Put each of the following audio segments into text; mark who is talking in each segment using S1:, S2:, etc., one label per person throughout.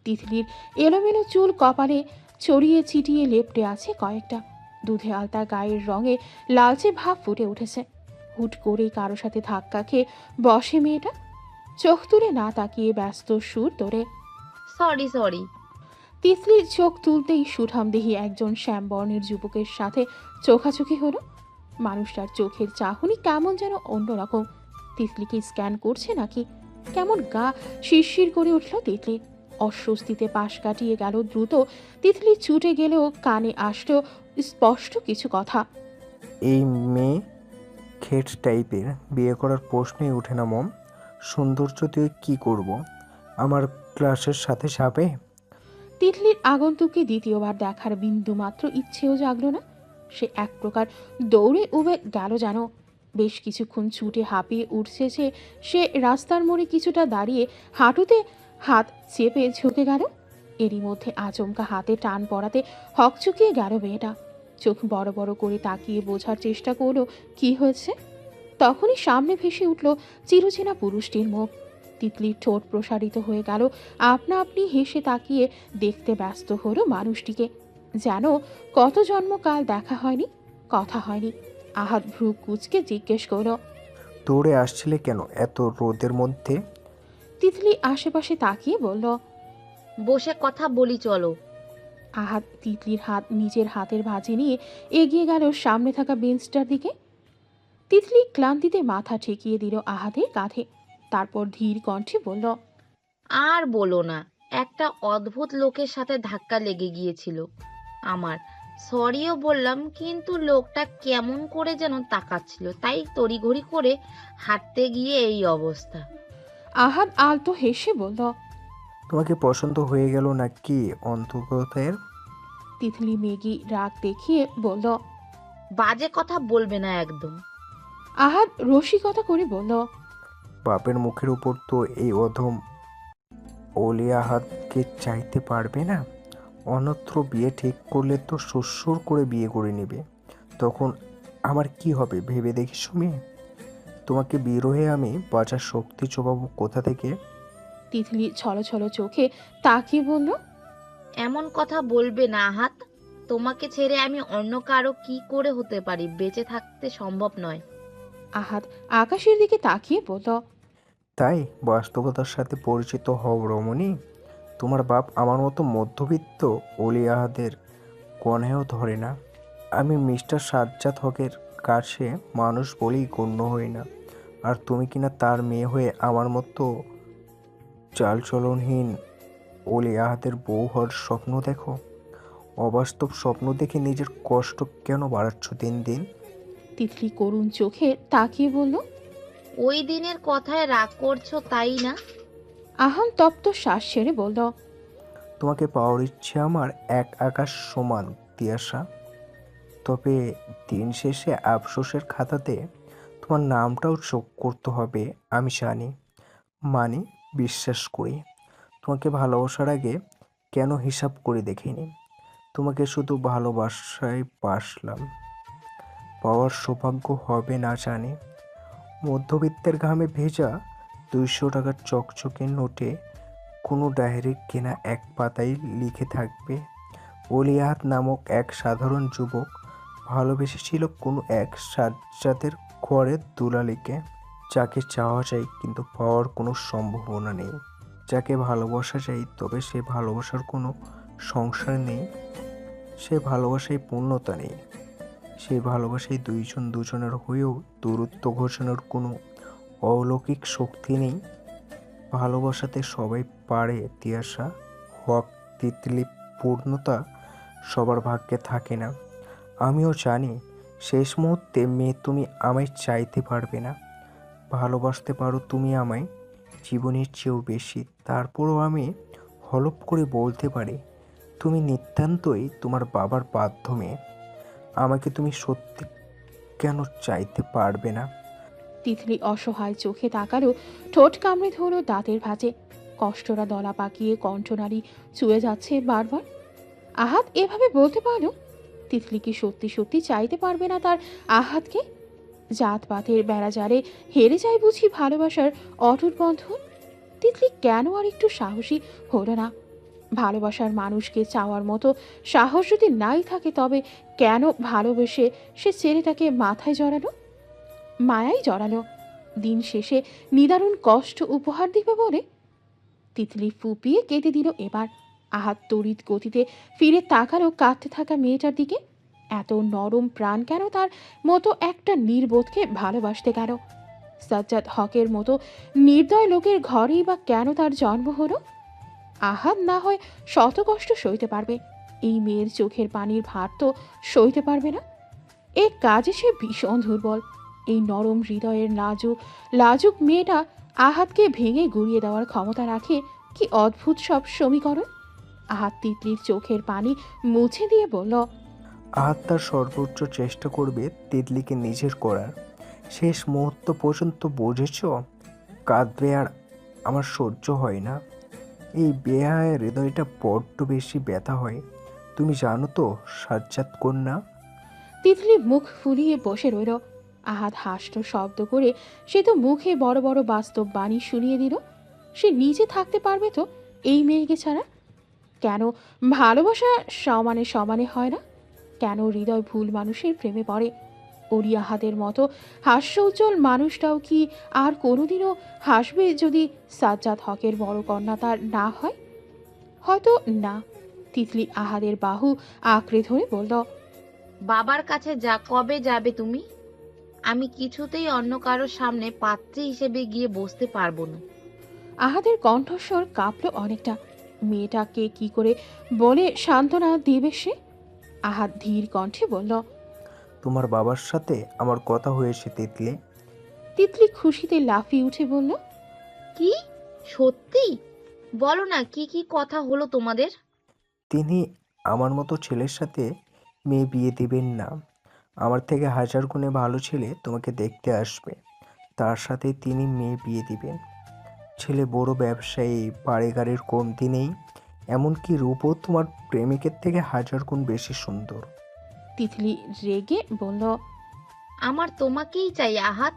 S1: তিতলির এলোমেলো চুল কপালে ছড়িয়ে ছিটিয়ে লেপ্টে আছে কয়েকটা। দুধে আলতা গায়ের রঙে লালচে ভাব ফুটে উঠেছে। হুট করে কারো সাথে ধাক্কা খেয়ে বসে মেয়েটা। চোখ তুলে না তাকিয়ে ব্যস্ত সুর ধরে।
S2: Sorry sorry.
S1: তিতলির চোখ তুলতেই সুঠামদেহী একজন শ্যামবর্ণের যুবকের সাথে চোখাচোখি হলো। মানুষটার চোখের চাহনি কেমন যেন অন্যরকম। তিতলিকে স্ক্যান করছে নাকি? কেমন গা শিরশির করে উঠল তিতলি। অস্বস্তিতে পাশ কাটিয়ে গেল দ্রুত। তিতলি ছুটে গেলেও কানে আসলো স্পষ্ট কিছু কথা।
S3: এই মেয়ে খেট টাইপের, বিয়ে করার প্রশ্নই ওঠে না মম। সৌন্দর্য দিয়ে কী করব? আমার ক্লাসের সাথে যাবে?
S1: তিতলির আগন্তুককে দ্বিতীয়বার দেখার বিন্দু মাত্র ইচ্ছেও জাগলো না। সে এক প্রকার দৌড়ে উবে গেল যেন। বেশ কিছুক্ষণ ছুটে হাঁপিয়ে উঠছে যে সে রাস্তার মোড়ে কিছুটা দাঁড়িয়ে হাঁটুতে হাত চেপে ঝুঁকে গেল। এরই মধ্যে আচমকা হাতে টান পড়াতে হকচকিয়ে গেল মেয়েটা। চোখ বড় বড় করে তাকিয়ে বোঝার চেষ্টা করলো কি হয়েছে। তখনই সামনে ভেসে উঠল চিরচেনা পুরুষটির মুখ। তিতলির ঠোঁট প্রসারিত হয়ে গেল। আপনা আপনি হেসে তাকিয়ে দেখতে ব্যস্ত হলো মানুষটিকে। যেন কত জন্মকাল দেখা হয়নি, কথা হয়নি। আহাত ভ্রু কুচকে জিজ্ঞেস করল।
S3: দৌড়ে আসছিলে কেন এত রোদের মধ্যে?
S1: তিতলি আশেপাশে তাকিয়ে বলল।
S2: বসে কথা বলি চলো।
S1: আহাত তিতলির হাত নিজের হাতের ভাঁজে নিয়ে এগিয়ে গেল সামনে থাকা বেঞ্চটার দিকে। তিতলি ক্লান্তিতে মাথা ঠেকিয়ে দিল আহাতের কাঁধে। তারপর ধীর কণ্ঠে বলল।
S2: আর বলো না, একটা অদ্ভুত লোকের সাথে ধাক্কা লেগে গিয়েছিল আমার। সরিও বললাম, কিন্তু লোকটা কেমন করে যেন তাকাচ্ছিল, তাই তড়িঘড়ি করে হাঁটতে গিয়ে এই অবস্থা।
S1: আহাত আলতো হেসে বলল।
S3: তোমাকে পছন্দ হয়ে গেল নাকি অন্তর্গতের?
S1: তিতলি মেগি রাগ দেখিয়ে বলল।
S2: বাজে কথা বলবে না একদম।
S1: আহাত রসিকতা করে বলল।
S3: বাপের মুখের উপর তো এই অধম ওলিয়া হাতকে চাইতে পারবে না। অন্যত্র বিয়ে ঠিক করলে তো শ্বশুর করে বিয়ে করে নেবে। তখন আমার কি হবে ভেবে দেখিস মেয়ে? তোমাকে বিরহে আমি বাঁচার শক্তি চোবাবো কোথা থেকে?
S1: তিতলি ছলছল চোখে তাকিয়ে বলল।
S2: এমন কথা বলবে না হাত। তোমাকে ছেড়ে আমি অন্য কারো কি করে হতে পারি? বেঁচে থাকতে সম্ভব নয়।
S1: আহাত আকাশের দিকে তাকিয়ে বলল।
S3: তাই বাস্তবতার সাথে পরিচিত হও রমণী। তোমার বাপ আমার মতো মধ্যবিত্ত ওলিয়াহাদের কনেও ধরে না। আমি মিস্টার সাজ্জাদ হকের কাছে মানুষ বলেই গণ্য হই না। আর তুমি কিনা তার মেয়ে হয়ে আমার মতো চালচলনহীন ওলিয়াহাদের বউ হওয়ার স্বপ্ন দেখো। অবাস্তব স্বপ্ন দেখে নিজের কষ্ট কেন বাড়াচ্ছ দিন দিন?
S1: তিতলি করুণ চোখে তাকিয়ে বলল।
S2: ওই দিনের কথায় রাগ করছো তাই না?
S1: আহান তপ্ত শ্বাস ছেড়ে বলল।
S3: তোমাকে পাওয়ার ইচ্ছে আমার এক আকাশ সমান তিয়াসা। তবে দিন শেষে আফসোসের খাতাতে তোমার নামটাও যোগ করতে হবে আমি জানি। মানে বিশ্বাস করি। তোমাকে ভালোবাসার আগে কেন হিসাব করে দেখিনি। তোমাকে শুধু ভালোবাসায় বাসলাম। পাওয়ার সৌভাগ্য হবে না জানি। মধ্যবিত্তের ঘামে ভেজা 200 টাকার চকচকে নোটে কোনো ডায়েরির কেনা এক পাতায় লিখে থাকবে, অলিয়াহাত নামক এক সাধারণ যুবক ভালোবেসেছিল কোনো এক সাজ্জাদের ঘরের দুলালিকে, যাকে চাওয়া যায় কিন্তু পাওয়ার কোনো সম্ভাবনা নেই, যাকে ভালোবাসা যায় তবে সে ভালোবাসার কোনো সংসার নেই, সে ভালোবাসায় পূর্ণতা নেই, সেই ভালোবাসায় দুইজন দুজনের হয়েও দূরত্ব ঘোষণার কোনো অলৌকিক শক্তি নেই। ভালোবাসাতে সবাই পারে তিয়াসা হক। তিতলি পূর্ণতা সবার ভাগ্যে থাকে না। আমিও জানি শেষ মুহূর্তে মেয়ে তুমি আমায় চাইতে পারবে না। ভালোবাসতে পারো তুমি আমায় জীবনের চেয়েও বেশি। তারপরও আমি হলপ করে বলতে পারি তুমি নিতান্তই তোমার বাবার বাধ্য মেয়ে। আমাকে তুমি সত্যি কেন চাইতে পারবে না?
S1: তিতলি অসহায় চোখে তাকালো। ঠোঁট কামড়ে ধরো দাঁতের ভাঁজে। কষ্টরা দলা পাকিয়ে কণ্ঠনালী চুয়ে যাচ্ছে বারবার। আহাত এভাবে বলতে পারো তিতলি কি সত্যি সত্যি চাইতে পারবে না তার আহাতকে? জাতপাতের বেড়াজারে হেরে যায় বুঝি ভালোবাসার অটুট বন্ধন? তিতলি কেন আর একটু সাহসী হলো না? ভালোবাসার মানুষকে চাওয়ার মতো সাহস যদি নাই থাকে, তবে কেন ভালোবেসে সে ছেলেটাকে মাথায় জড়ালো, মায়াই জড়ালো? দিন শেষে নিদারুণ কষ্ট উপহার দিবে বলে? তিতলি ফুপিয়ে কেঁদে দিল এবার। আহাত তড়িৎ গতিতে ফিরে তাকালো কাঁদতে থাকা মেয়েটার দিকে। এত নরম প্রাণ কেন তার মতো একটা নির্বোধকে ভালোবাসতে গেল? সাজ্জাদ হকের মতো নির্দয় লোকের ঘরেই বা কেন তার জন্ম হলো? আহাত না হয় শত কষ্ট সইতে পারবে, এই মেয়ের চোখের পানির ভার তো সইতে পারবে না। এ কাজে সে ভীষণ দুর্বল। এই নরম হৃদয়ের লাজুক লাজুক মেয়েটা আহাতকে ভেঙে গুড়িয়ে দেওয়ার ক্ষমতা রাখে। কি অদ্ভুত সব সমীকরণ! আহাত তিতলির চোখের পানি মুছে দিয়ে বলল,
S3: আহাত তার সর্বোচ্চ চেষ্টা করবে তিতলিকে নিজের করার। শেষ মুহূর্ত পর্যন্ত বুঝেছ, কাঁদবে আর আমার সহ্য হয় না। এই বেহায়া হৃদয়টা বড্ড বেশি ব্যথা হয়। তুমি জানো তো সাজ্জাদ কন্যা।
S1: তিতলি মুখ ফুলিয়ে বসে রইল। আহাত হাসল শব্দ করে। সে তো মুখে বড় বড় বাস্তব বাণী শুনিয়ে দিল। সে নিজে থাকতে পারবে তো এই মেয়েকে ছাড়া? কেন ভালোবাসা সমানে সমানে হয় না? কেন হৃদয় ভুল মানুষের প্রেমে পড়ে? অলি আহাদের মতো হাস্য উজ্জ্বল মানুষটাও কি আর কোনোদিনও হাসবে যদি সাজ্জাদ হকের বড় কন্যা তার না হয়? হয়তো না। তিতলি আহাদের বাহু আঁকড়ে ধরে বলল,
S2: বাবার কাছে যা, কবে যাবে তুমি? আমি কিছুতেই অন্য কারোর সামনে পাত্রী হিসেবে গিয়ে বসতে পারবো না।
S1: আহাদের কণ্ঠস্বর কাঁপল অনেকটা। মেয়েটাকে কি করে বলে সান্ত্বনা দেবে সে? আহাদ ধীর কণ্ঠে বলল,
S3: তোমার বাবার সাথে আমার কথা হয়েছে তিতলি।
S1: তিতলি খুশিতে লাফিয়ে উঠে বলল,
S2: কি? সত্যি? বলো না, কি কি কথা হলো তোমাদের?
S3: তিনি আমার মতো ছেলের সাথে মেয়ে বিয়ে দিবেন না। আমার থেকে হাজার গুণে ভালো ছেলে তোমাকে দেখতে আসবে, তার সাথে তিনি মেয়ে বিয়ে দিবেন। ছেলে বড় ব্যবসায়ী, বাড়ি গাড়ির কমতি নেই, এমনকি রূপও তোমার প্রেমিকের থেকে হাজার গুণ বেশি সুন্দর।
S1: তিতলি রেগে বলল,
S2: আমার তোমাকেই চাই আহাত।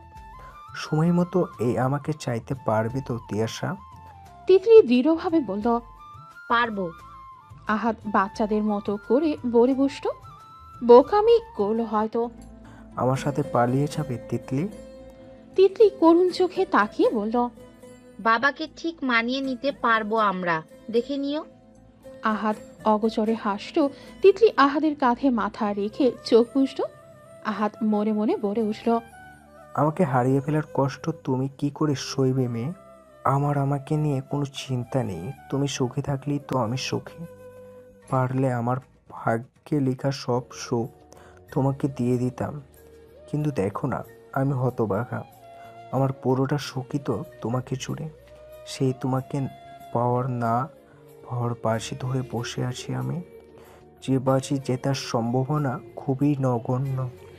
S3: সময় মতো এই আমাকে চাইতে পারবে তো তিয়াশা?
S1: তিতলি দৃঢ়ভাবে বলল।
S2: পারবো।
S1: আহাদ বাচ্চাদের মতো করে বলে বসল। বোকামি করলো হয়তো।
S3: আমার সাথে পালিয়ে যাবে তিতলি?
S1: তিতলি করুণ চোখে তাকিয়ে বলল,
S2: বাবাকে ঠিক মানিয়ে নিতে পারবো আমরা, দেখে নিও।
S1: আহাদ অগোচরে হাসল। তিতলি আহাদের কাঁধে মাথা রেখে চোখ বুঝল। আহাদ মনে মনে বলে উঠল,
S3: আমাকে হারিয়ে ফেলার কষ্ট তুমি কি করে সইবে মেয়ে? আমাকে নিয়ে কোনো চিন্তা নেই, তুমি সুখে থাকলেই তো আমি সুখী। পারলে আমার ভাগ্যে লেখা সব সুখ তোমাকে দিয়ে দিতাম, কিন্তু দেখো না, আমি হতভাগা। আমার পুরোটা সুখই তো তোমাকে জুড়ে। সেই তোমাকে পাওয়ার না পাওয়ার বাজি ধরে বসে আছি আমি, যে বাজি জেতার সম্ভাবনা খুবই নগণ্য।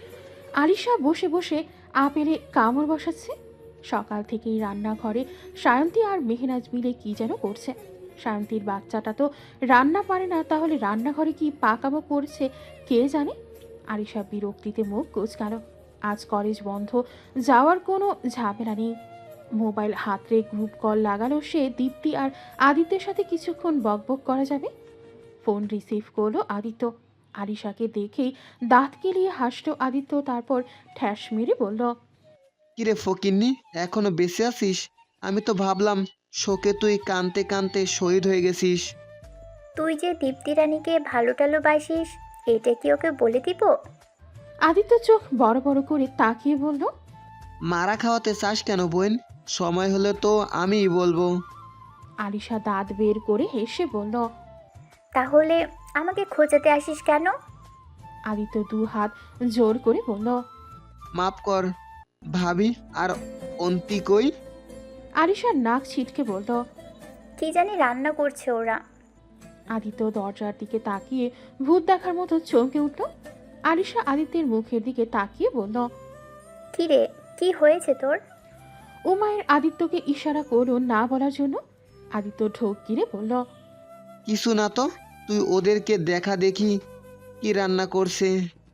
S1: আলিশা বসে বসে আপেলে কামড় বসাচ্ছে। সকাল থেকেই রান্নাঘরে সায়ন্তী আর মেহনাজ মিলে কি যেন করছে। সায়ন্তীর বাচ্চাটা তো রান্না পারে না, তাহলে রান্নাঘরে কি পাকামো করছে কে জানে। আলিশা বিরক্তিতে মুখ কুঁচকাল। আজ কলেজ বন্ধ, যাওয়ার কোনো ঝামেলা নেই। মোবাইল হাতরে গ্রুপ কল লাগালো সে। দীপ্তি আর আদিত্যের সাথে কিছুক্ষণ বকবক করা যাবে। ফোন রিসিভ করলো আদিত্য। আলিশাকে দেখেই দাঁত কেলিয়ে হাসলো আদিত্য, তারপর ঠ্যাস মেরে বলল,
S4: কিরে ফকিন্নি, এখনো বেঁচে আছিস? আমি তো ভাবলাম শোকে তুই কানতে কানতে শহীদ হয়ে গেছিস।
S5: তুই যে দীপ্তি রানীকে ভালো টালো বাসিস, এটা কি ওকে বলে দিব?
S1: আদিত্য চোখ বড় বড় করে তাকিয়ে বলল,
S4: মারা খাওয়াতে চাস কেন বোন? সময় হলে তো আমিই বলবো।
S1: আলিশা দাঁত বের করে হেসে বলল।
S5: তাহলে আমাকে খোঁজাতে আসিস কেন?
S1: আদিত্য দু হাত জোর করে বলল।
S4: মাফ কর ভাবি, আর অন্তি কই?
S1: আলিশার নাক ছিটকে বলল।
S5: কি জানি রান্না করছে ওরা।
S1: আদিত্য দরজার দিকে তাকিয়ে ভূত দেখার মতো চমকে উঠল। আলিশা আদিত্যের মুখের দিকে তাকিয়ে বলল,
S5: কি রে, কি হয়েছে তোর?
S1: উমায়ের আদিত্যকে ইশারা করলো না বলার জন্য। আদিত্য ঢোক গিরে বলল,
S4: কিছু না তো, তুই ওদেরকে দেখা দেখি কি রান্না করছে।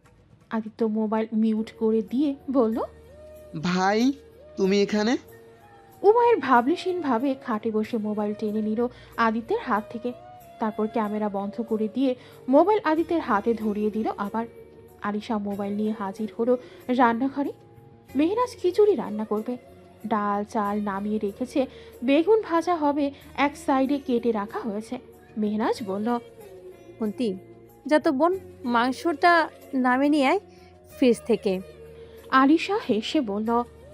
S1: আদিত্য মোবাইল মিউট করে দিয়ে বলল,
S4: ভাই তুমি এখানে?
S1: উমায়ের ভাবলেশীন ভাবে খাটে বসে মোবাইল টেনে নিল আদিত্যের হাত থেকে। তারপর ক্যামেরা বন্ধ করে দিয়ে মোবাইল আদিত্যের হাতে ধরিয়ে দিল আবার। আলিশা মোবাইল নিয়ে হাজির হলো রান্নাঘরে। মেহনাজ খিচুড়ি রান্না করবে। ডাল চাল নামিয়ে রেখেছে, বেগুন ভাজা হবে, এক সাইডে কেটে রাখা হয়েছে। মেহনাজ বলল,
S6: অন্তি, যা তো বোন, মাংসটা নামে নিয়ে আয় ফ্রিজ থেকে।
S1: আলিশা হেসে বলল,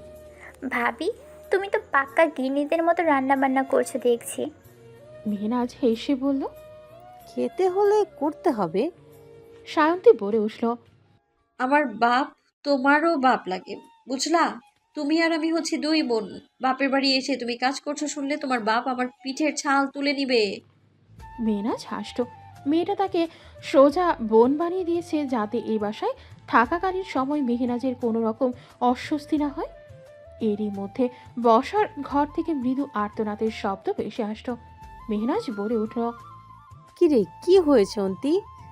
S5: ভাবি, তুমি তো পাক্কা গৃহিণীদের মতো রান্না বান্না করছো দেখছি।
S1: মেহনাজ হেসে বলল।
S6: খেতে হলে করতে হবে।
S1: সায়ন্তী বলে উঠল,
S7: আমার বাপ তোমারও বাপ লাগে, বুঝলা? তুমি আর আমি হচ্ছে দুই বোন। বাপের বাড়ি এসে তুমি কাজ করছো শুনলে তোমার বাপ আমার পিঠের ছাল তুলে নিবে।
S1: মেহনাজ হাসত। মেয়েটা তাকে সোজা বোন বানিয়ে দিয়েছে যাতে এই বাসায় থাকাকালীন সময় মেহনাজের কোনো রকম অস্বস্তি না হয়। এরই মধ্যে বসার ঘর থেকে মৃদু আর্তনাদের শব্দ ভেসে আসত। মেহনাজ বলে উঠল।
S6: কিরে, কি হয়েছে অন্তি?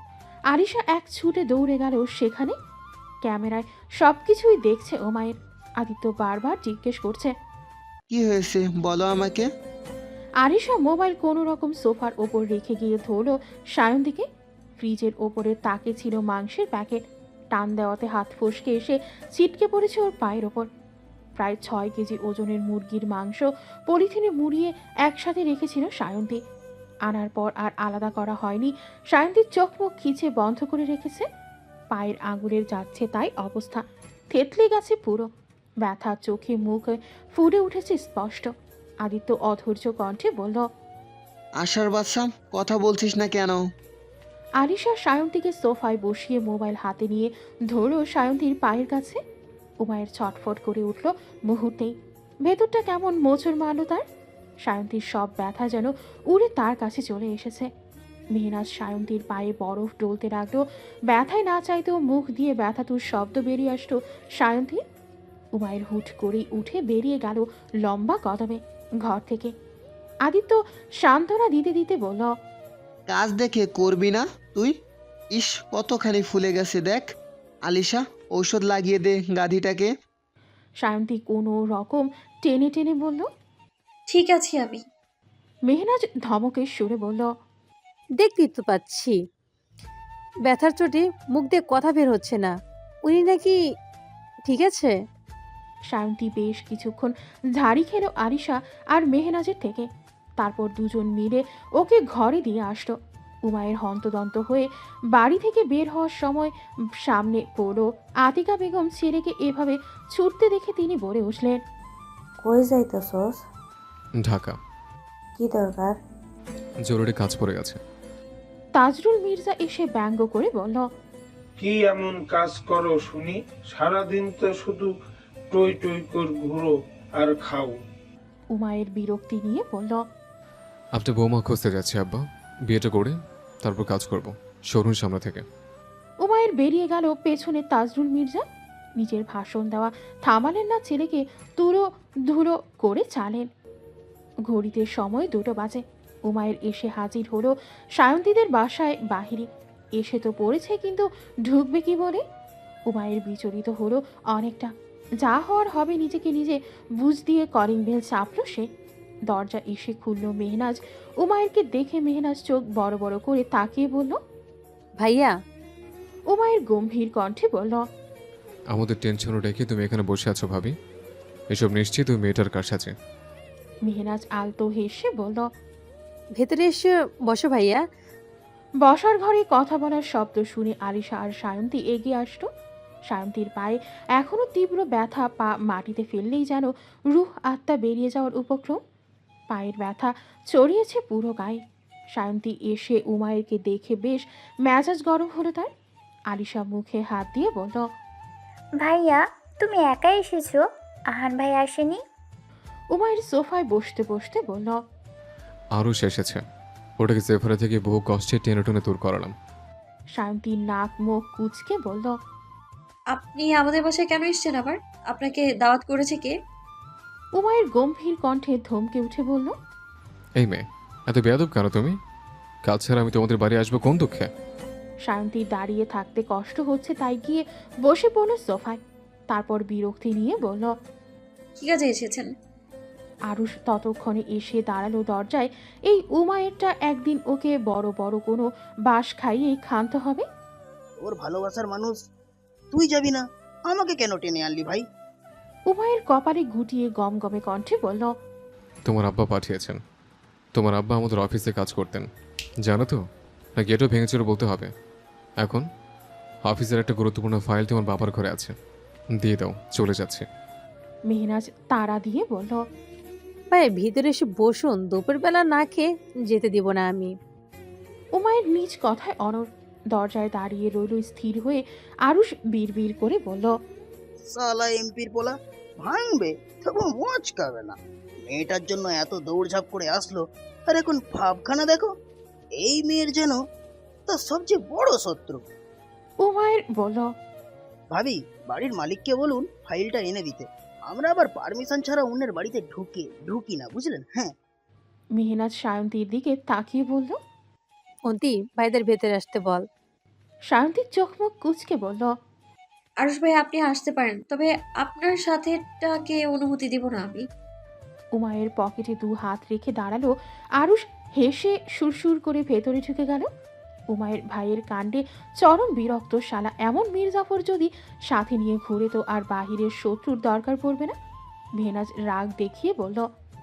S1: আরিশা এক ছুটে দৌড়ে গেল সেখানে। ক্যামেরায় সবকিছুই দেখছে ওমায়ের। আদিত্য বারবার জিজ্ঞেস করছে,
S4: কি হয়েছে বলো আমাকে।
S1: আরিশা মোবাইল কোনো রকম সোফার ওপর রেখে গিয়ে ধরল সায়ন্তীকে। ফ্রিজের ওপরের তাকে ছিল মাংসের প্যাকেট। টান দেওয়াতে হাত ফসকে এসে ছিটকে পড়েছে ওর পায়ের ওপর। প্রায় 6 কেজি ওজনের মুরগির মাংস পলিথিনে মুড়িয়ে একসাথে রেখেছিল সায়ন্তী। আনার পর আর আলাদা করা হয়নি। সায়ন্তীর চোখ মুখ খিচে বন্ধ করে রেখেছে। পায়ের আঙুলের যাচ্ছে তাই অবস্থা। থেতলে গেছে পুরো। ব্যথা চোখে মুখে ফুটে উঠেছে স্পষ্ট। আদিত্য অধৈর্য কণ্ঠে বলল,
S4: আশার বাচ্চা, কথা বলছিস না কেন?
S1: আলিশা সায়ন্তীকে সোফায় বসিয়ে মোবাইল হাতে নিয়ে ধরল সায়ন্তীর পায়ের কাছে। উমায়ের ছটফট করে উঠল মুহূর্তেই। ভেতরটা কেমন মোচড় মারল তার। সায়ন্তীর সব ব্যথা যেন উড়ে তার কাছে চলে এসেছে। মেহনাজ সায়ন্তীর পায়ে বরফ ডলতে লাগলো। ব্যথায় না চাইতেও মুখ দিয়ে ব্যথাতুর শব্দ বেরিয়ে আসতো সায়ন্তীর। উমায়ের হুট করেই উঠে বেরিয়ে গেল লম্বা কদমে ঘর থেকে। আদিত্য সান্ত্বনা দিতে দিতে বলল,
S4: কাজ দেখে করবি না তুই? ইস, কতখানি ফুলে গেছে দেখ। আলিশা, ঔষধ লাগিয়ে দে গাধিটাকে।
S1: সায়ন্তী কোনো রকম টেনে টেনে বলল।
S7: ঠিক আছে আমি।
S1: মেহনাজ ধমকের সুরে বলল,
S6: দেখতেই তো পাচ্ছি ব্যথার চোটে মুখ দিয়ে কথা বের হচ্ছে না। উনি নাকি ঠিক আছে?
S1: সায়ন্তী বেশ কিছুক্ষণ ঝাড়ি খেলো আরিশা আর মেহনাজের থেকে। তারপর দুজন মিলে ওকে ঘরে দিয়ে আসলো। উমায়ের হন্তদন্ত হয়ে বাড়ি থেকে বের হওয়ার সময় সামনে পড়লো আতিকা বেগম ছেলেকে এভাবে ছুটতে দেখে তিনি বলে উঠলেন,
S8: কই যাইতেছস?
S9: ঢাকা।
S8: কি দরকার?
S9: জরুরি কাজ পড়ে গেছে।
S1: তাজরুল মির্জা এসে ব্যঙ্গ করে বলল,
S10: কি এমন কাজ করো শুনি? সারাদিন তো শুধু টই টই করে ঘুরো আর খাও।
S1: উমায়ের বিরক্তি নিয়ে বলল,
S9: আপনি বৌমা খুঁজতে যাচ্ছি আব্বা। বিয়েটা করে তারপর কাজ করব শোরুম সামনে থেকে।
S1: উমায়ের বেরিয়ে গেল পেছনে তাজরুল মির্জা। নিজের ভাষণ দেওয়া থামালেন না, ছেলেকে তুলো ধুলো করে চালেন। ঘড়িতে সময় 2টো বাজে। উমায়ের এসে হাজির হলো সায়ন্তীদের বাসায় বাহিরে। এসে তো পড়েছে, কিন্তু ঢুকবে কি বলে? উমায়ের বিচলিত হলো অনেকটা। যা হওয়ার হবে নিজেকে নিজে বুঝ দিয়ে কলিং বেল চাপল সে। দরজা এসে খুলল মেহনাজ। উমায়েরকে দেখে মেহনাজ চোখ বড় বড় করে তাকিয়ে বলল,
S6: ভাইয়া।
S1: উমায়ের গম্ভীর কণ্ঠে বলল,
S9: আমাদের টেনশনও রেখে তুমি এখানে বসে আছো ভাবি? এসব নিশ্চিত ওই মেয়েটার কাছে।
S1: মেহনাজ আলতো হেসে বলল,
S6: ভেতরে এসে বসো ভাইয়া।
S1: বসার ঘরে কথা বলার শব্দ শুনে আলিশা আর সায়ন্তী এগিয়ে আসতো। সায়ন্তীর পায়ে এখনো তীব্র ব্যথা। পা মাটিতে ফেললেই যেন রুহ আত্মা বেরিয়ে যাওয়ার উপক্রম। পায়ের ব্যথা ছড়িয়েছে পুরো গায়ে। সায়ন্তী এসে উমায়েরকে দেখে বেশ মেজাজ গরম হলো তার। আলিশা মুখে হাত দিয়ে বলল,
S5: ভাইয়া, তুমি একাই এসেছো? আহান ভাই আসেনি?
S1: উমায়ের সোফায় বসতে বসতে বলল,
S9: আরও এসেছে। ওটাকে জেফারা থেকে বহু কষ্টে টেনে টেনে দূর করালাম।
S1: সায়ন্তী নাক মুখ কুচকে বলল,
S7: আপনি আমাদের বাসায় কেন এসেছেন আবার? আপনাকে দাওয়াত করেছে কে?
S1: উমায়ের গম্ভীর কণ্ঠে ধমকে উঠে বলল,
S9: এই মেয়ে, এত বেয়াদব কেন তুমি? কাল ছাড়া আমি তোমাদের বাড়ি আসবো কোন দুঃখে?
S1: সায়ন্তী দাঁড়িয়ে থাকতে কষ্ট হচ্ছে তাই গিয়ে বসে পড়ল সোফায়। তারপর বিরক্তি নিয়ে বলল,
S7: কি কাজে এসেছেন?
S1: আরুষ ততক্ষণে এসে দাঁড়ালো দরজায়। এই উমায়েরটা একদিন ওকে বড় বড় কোনো বাঁশ খাইয়েই ক্ষান্ত হবে।
S11: ওর ভালোবাসার মানুষ, তুই যাবি না, আমাকে কেন টেনে আনলি ভাই?
S1: উমায়ের কপালে গুটিয়ে গমগমে কণ্ঠে বলল,
S9: তোমার আব্বা পাঠিয়েছেন। তোমার আব্বা আমাদের অফিসে কাজ করতেন, জানো তো? না গেটও ভেঙেছিল বলতে হবে। এখন অফিসের একটা গুরুত্বপূর্ণ ফাইল তোমার বাবার ঘরে আছে, দিয়ে দাও, চলে যাচ্ছে।
S1: মেহনাজ তাড়া দিয়ে বলল,
S6: ভাই ভিতরে এসে বসুন, দুপুরবেলা না খেয়ে যেতে দিব না আমি।
S1: উমায়ের নিজ কথায় অনড়। দরজায় দাঁড়িয়ে রইল স্থির হয়ে। আরুষ বিড়বিড় করে বলল,
S11: সালা এমপির পোলা, ভাঙবে তবু মচকাবে না। মেয়েটার জন্য এত দৌড়ঝাঁপ করে আসলো, আর এখন ভাবখানা দেখো। এই মেয়ের যেন তার সবচেয়ে বড় শত্রু।
S1: উমায়ের বলল,
S11: ভাবি, বাড়ির মালিককে বলুন ফাইলটা এনে দিতে। আমরা আবার পারমিশন ছাড়া অন্যের বাড়িতে ঢুকি না, বুঝলেন? হ্যাঁ।
S1: মেহনাজ সায়ন্তীর দিকে তাকিয়ে বলল।
S6: অন্তি, ভাইদের ভেতরে আসতে বল।
S1: সায়ন্তীর চোখ মুখ কুঁচকে বলল,
S7: আরুষ ভাই আপনি আসতে পারেন, তবে আপনার সাথেটাকে অনুমতি দিব না আমি।
S1: উমায়ের পকেটে 2 হাত রেখে দাঁড়ালো। আরুষ হেসে সুরসুর করে ভেতরে ঢুকে গেল। উমায়ের ভাইয়ের কাণ্ডে চরম বিরক্ত। শালা এমন মির্জাফর যদি সাথে নিয়ে ঘুরে তো আর বাহিরের শত্রুর দরকার পড়বে না। মেহনাজ রাগ দেখিয়ে বলল,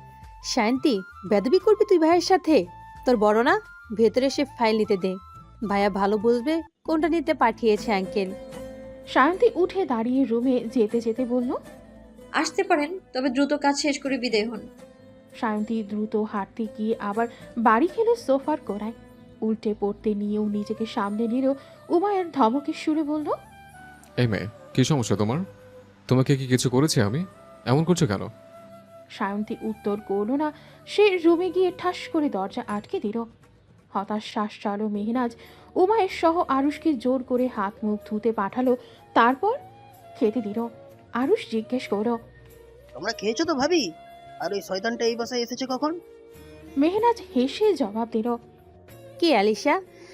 S6: শান্তি, বেদবি করবি তুই ভাইয়ের সাথে? তোর বড় না? ভেতরে এসে ফাইল নিতে দে, ভাইয়া ভালো বুঝবে কোনটা নিতে পাঠিয়েছে আঙ্কেল।
S1: সায়ন্তী উঠে দাঁড়িয়ে রুমে যেতে যেতে বলল,
S7: আসতে পারেন, তবে দ্রুত কাজ শেষ করে বিদায় হন।
S1: সায়ন্তী দ্রুত হাঁটতে গিয়ে আবার বাড়ি খেলো সোফার কোণায়। উল্টে পড়তে নিয়েও নিজেকে সামনে নিল। উমায়ের ধমকের সুরে বলল,
S9: এই মেয়ে, কি সমস্যা তোমার? তোমাকে কি কিছু করেছি আমি? এমন করছো কেন?
S1: সায়ন্তী উত্তর করল না। সে রুমে গিয়ে ঠাস করে দরজা আটকে দিল। হতাশ শ্বাস চালো মেহনাজ। উমায়ের সহ আরুষকে জোর করে হাত মুখ ধুতে পাঠালো, তারপর খেতে দিল। আরুষ জিজ্ঞেস করল,
S11: তোমরা খেয়েছো তো ভাবি? আর ওই শয়তানটা এই বাসায় এসেছে কখন?
S1: মেহনাজ হেসে জবাব দিল,
S6: কি আলিশা?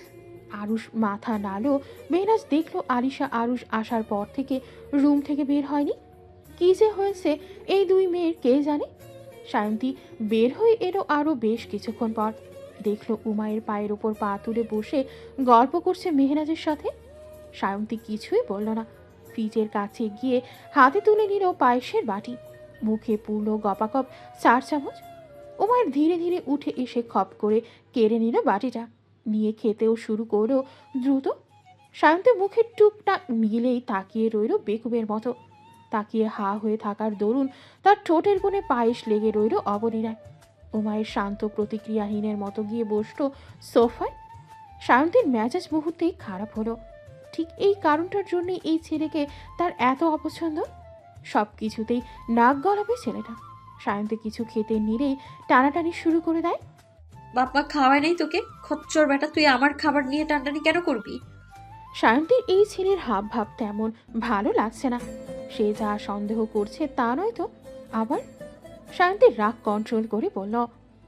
S1: আরুষ মাথা নাড়ল। মেহনাজ দেখলো আলিশা আরুষ আসার পর থেকে রুম থেকে বের হয়নি। কি যে হয়েছে এই 2 মেয়ের কে জানে। সায়ন্তী বের হয়ে এলো আরও বেশ কিছুক্ষণ পর। দেখলো উমায়ের পায়ের ওপর পা তুলে বসে গল্প করছে মেহনাজের সাথে। সায়ন্তী কিছুই বলল না। ফ্রিজের কাছে গিয়ে হাতে তুলে নিল পায়েসের বাটি। মুখে পুরল গপাগপ 4 চামচ। উমায়ের ধীরে ধীরে উঠে এসে খপ করে কেড়ে নিল বাটিটা, নিয়ে খেতেও শুরু করলো দ্রুত। সায়ন্তীর মুখের টুকটা মিলেই তাকিয়ে রইল বেকুবের মতো। তাকিয়ে হা হয়ে থাকার দরুন তার ঠোঁটের কোণে পায়েস লেগে রইল অবলীলায়। উমায়ের শান্ত প্রতিক্রিয়াহীনের মতো গিয়ে বসল সোফায়। সায়ন্তীর মেজাজ মুহূর্তেই খারাপ হলো। ঠিক এই কারণটার জন্যই এই ছেলেকে তার এত অপছন্দ। সব কিছুতেই নাক গলাবে ছেলেটা। সায়ন্তী কিছু খেতে নিলেই টানাটানি শুরু করে দেয়।
S7: বাপ্পা খাওয়ায় নাই তোকে? খচ্চর বেটা, তুই আমার খাবার নিয়ে টানটানি কেন করবি?
S1: সায়ন্তীর এই ছেলের হাব ভাব তেমন ভালো লাগছে না। সে যা সন্দেহ করছে তা নয় তো আবার। সায়ন্তী রাগ কন্ট্রোল করে বলল,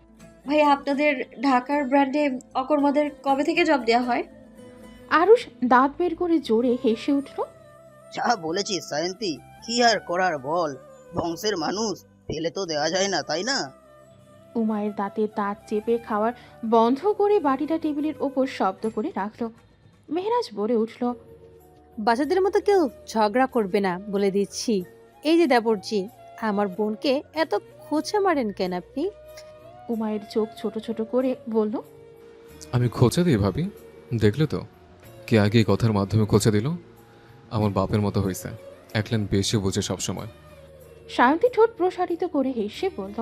S7: ভাই আপনাদের ঢাকার ব্র্যান্ডে অকর্মাদের কবে থেকে জব দেওয়া হয়?
S1: আরুষ দাঁত বের করে জোরে হেসে উঠল।
S11: যা বলেছিস সায়ন্তী, কি আর করার বল, বংশের মানুষ, ফেলে তো দেওয়া যায় না, তাই না?
S1: উমায়ের দাঁতে দাঁত চেপে খাওয়ার বন্ধ করে বাটিটা টেবিলের ওপর শব্দ করে রাখল। মেহরাজ বলে উঠল,
S6: বাচ্চাদের মতো কেউ ঝগড়া করবে না বলে দিচ্ছি। এই যে দেবরজি, আমার বোনকে এত খোঁচা মারেন কেন আপনি?
S1: উমায়ের চোখ ছোট ছোট করে বলল,
S9: আমি খোঁচা দিই ভাবি? দেখলে তো কে আগে এই কথার মাধ্যমে খোঁচা দিল? আমার বাপের মতো হয়েছে, এক লাইন বেশি বোঝে সবসময়।
S1: সায়ন্তী ঠোঁট প্রসারিত করে হেসে বলল,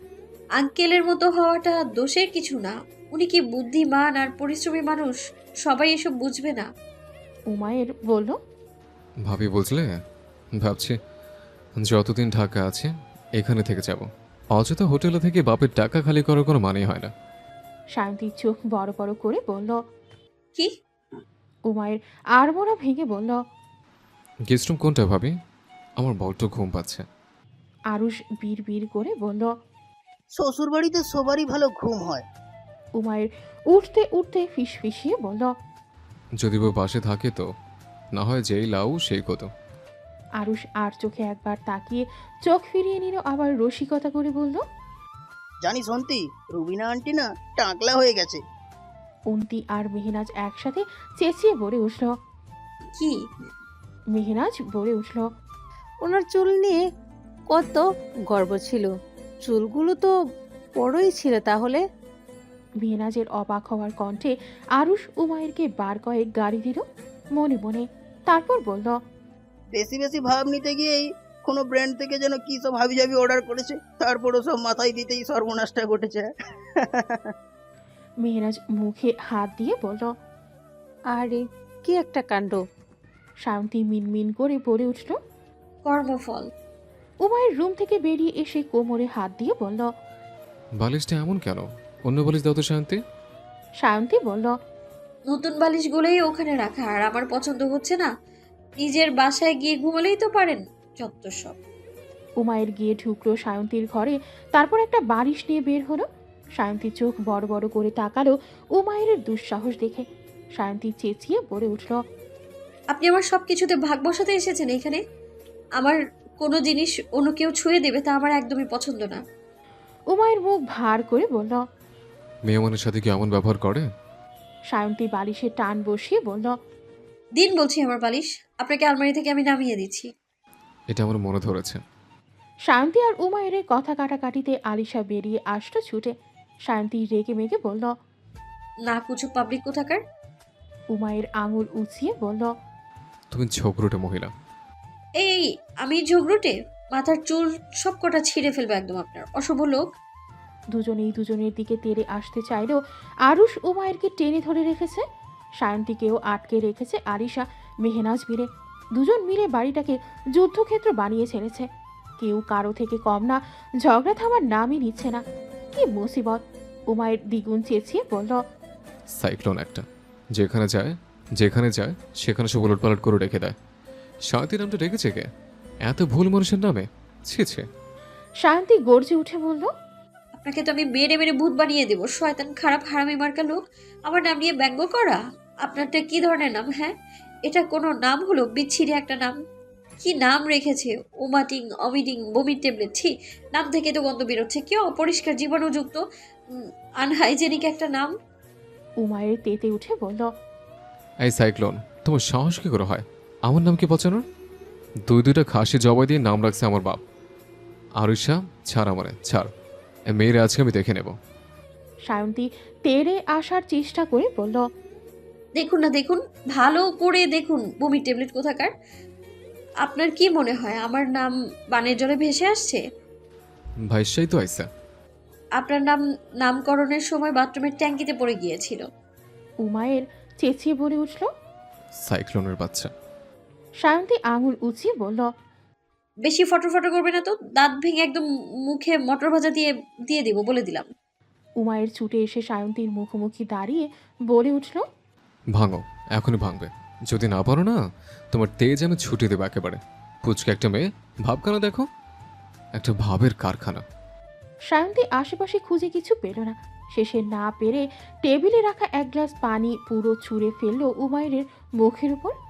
S7: আঙ্কেলের মতো হওয়াটা দোষের কিছু না। উনি কি বুদ্ধিমান আর পরিশ্রমী মানুষ, সবাই এসব বুঝবে না।
S1: উমায়ের বলল,
S9: ভাবি বুঝলে, ভাবছি যতদিন ঢাকা আছে এখানে থেকে যাব। অযথা হোটেলে থেকে বাপের টাকা খালি করার কোনো মানেই হয় না।
S1: সায়ন্তীর চোখ বড় বড় করে বলল,
S7: কি?
S1: উমায়ের আড়মোড়া ভেঙে বলল,
S9: গেস্ট রুম কোনটা ভাবি? আমার বড্ড ঘুম পাচ্ছে।
S1: আরুষ বিড় বিড় করে বলল,
S11: শ্বশুর বাড়িতে সবারই ভালো ঘুম হয়।
S1: উমায়ের উঠতে উঠতে ফিসফিসিয়ে বলল,
S9: যদি বউ পাশে থাকে তো, না হয় যেই লাউ সেই কত।
S1: আরুষ আর চোখে একবার তাকিয়ে চোখ ফিরিয়ে নিল, আবার রসিকতা করে বলল,
S11: জানিস অন্তি, রুবিনা আন্টি না টাকলা হয়ে গেছে।
S1: অন্তি আর মেহনাজ একসাথে চেঁচিয়ে বলে উঠল।
S7: কি?
S1: মেহনাজ বলে উঠল।
S6: ওনার চুল নিয়ে কত গর্ব ছিল, চুলগুলো তো বড়ই ছিল তাহলে।
S1: মেহনাজের অবাক হওয়ার কণ্ঠে আরুষ উমায়েরকে বার কয়েক গাড়ি দিল মনে মনে, তারপর বলল,
S11: বেশি বেশি ভাব নিতে গিয়েই কোনো ব্র্যান্ড থেকে যেন কি সব হাবিজাবি অর্ডার করেছে, তারপরও সব মাথায় দিতেই সর্বনাশটা ঘটেছে।
S1: মেহনাজ মুখে হাত দিয়ে বলল।
S6: আরে কি একটা কাণ্ড!
S1: শান্তি মিনমিন করে বলে উঠল।
S7: কর্মফল।
S1: উমায়ের রুম থেকে বেরিয়ে এসে কোমরে হাত দিয়ে বলল।
S9: বালিশটা এমন কেন? অন্য বালিশ দাও তো শান্তি।
S1: শান্তি বলল।
S7: নতুন বালিশগুলোই ওখানে রাখা, আর আমার পছন্দ হচ্ছে না। নিজের বাসায় গিয়ে ঘুমালেই তো পারেন, যত সব।
S1: উমায়ের গিয়ে ঢুকলো সায়ন্তীর ঘরে, তারপর একটা বালিশ নিয়ে বের হলো। সায়ন্তী চোখ বড় বড় করে তাকালো উমায়ের দুঃসাহস দেখে। সায়ন্তী চেঁচিয়ে বলে উঠল।
S7: আপনি আমার সব কিছুতে ভাগ বসাতে এসেছেন এখানে? আমার কোনো জিনিস অন্য কেউ ছুঁয়ে দেবে তা আমার একদমই পছন্দ না।
S1: উমায়ের মুখ ভার করে বলল।
S9: মেহমানের সাথে কি এমন ব্যবহার করে?
S1: সায়ন্তী বালিশে টান বসিয়ে বলল।
S7: দিন বলছি আমার বালিশ, আপনাকে আলমারি থেকে আমি নামিয়ে দিচ্ছি।
S9: এটা আমার মনে ধরেছে।
S1: সায়ন্তী আর উমায়ের কথা কাটাকাটিতে আলিশা বেরিয়ে আসলো ছুটে। সায়ন্তী রেগে মেগে বলল।
S7: না কুচু পাবলিক কোথাকার।
S1: উমায়ের আঙুল উঁচিয়ে বলল।
S9: তুমি ঝগড়ুটে মহিলা।
S7: এই আমি ঝগড়ুটে? মাথার চুল সব কটা ছিঁড়ে ফেলবো একদম আপনার, অশুভ লোক।
S1: দুজনেই দুজনের দিকে তেড়ে আসতে চাইলেও আরুষ উমায়েরকে টেনে ধরে রেখেছে। সায়ন্তীকেও আটকে রেখেছে আলিশা মেহনাজ মিলে। দুজন মিলে বাড়িটাকে যুদ্ধক্ষেত্র বানিয়ে ছেড়েছে। কেউ কারো থেকে কম না, ঝগড়া থামার নামই নিচ্ছে না। কি মুসিবত! উমায়ের দ্বিগুণ চেঁচিয়ে বলল।
S9: সাইক্লোন একটা, যেখানে যায় সেখানে সব উলটপালট করে রেখে দেয়। শান্তি নামটা রেখেছে কে? এত ভুল মানুষের নামে, ছি।
S1: শায়ন্তী গর্জে উঠে বলল।
S7: আপনাকে তো আমি মেরে মেরে ভূত বানিয়ে দেবো, শয়তান খারাপ হারামি মার্কা লোক। আমার নাম নিয়ে ব্যঙ্গ করা? আপনারটা কি ধরনের নাম? হ্যাঁ, এটা কোনো নাম হলো? বিচ্ছিরি একটা নাম। কি নাম রেখেছে! ওমাটিং, অমিটিং, বমির ট্যাবলেট। ছি, নাম থেকে তো গন্ধ বেরোচ্ছে। কি অপরিষ্কার জীবাণুযুক্ত আনহাইজেনিক একটা নাম।
S1: উমায়ের তেতে উঠে বলল।
S9: এই সাইক্লোন, তোমার সাহস কি করে হয় আমার নাম কি পচানোর? দুইটা খাসি জবাই দিয়ে নাম রাখছে আমার বাপ। আরুষা, ছাড় আমারে, ছাড়। মেয়ের আজকে আমি দেখে নেব।
S1: সায়ন্তী তেড়ে আসার চেষ্টা করে বলল।
S7: দেখুন না, দেখুন, ভালো করে দেখুন, বমির ট্যাবলেট কোথাকার। আপনার কি মনে হয় আমার নাম বানের জলে ভেসে আসছে?
S9: ভাইসাই তো আইসা।
S7: আপনার নামকরণের সময় বাথরুমের ট্যাঙ্কিতে পড়ে গিয়েছিল।
S1: উমায়ের চেঁচিয়ে বলে উঠল।
S9: সাইক্লোনের বাচ্চা।
S1: সায়ন্তী আঙুল উঁচিয়ে বলল।
S7: বেশি ফটো করবে না তো, দাঁত ভেঙে একদম মুখে মটর ভাজা দিয়ে দিব, বলে দিলাম।
S1: উমায়ের ছুটে এসে সায়ন্তীর মুখোমুখি দাঁড়িয়ে বলে উঠল।
S9: ভাঙো, এখনই ভাঙবে। যদি না পারো না, তোমার তেজ আমি ছুটিয়ে দেবো একেবারে। পুচকে একটা মেয়ে, ভাবখানা দেখো, একটা ভাবের কারখানা।
S1: সায়ন্তী আশেপাশে খুঁজে কিছু পেল না। শেষে না পেরে টেবিলে রাখা এক গ্লাস পানি পুরো ছুঁড়ে ফেললো উমায়ের মুখের উপর।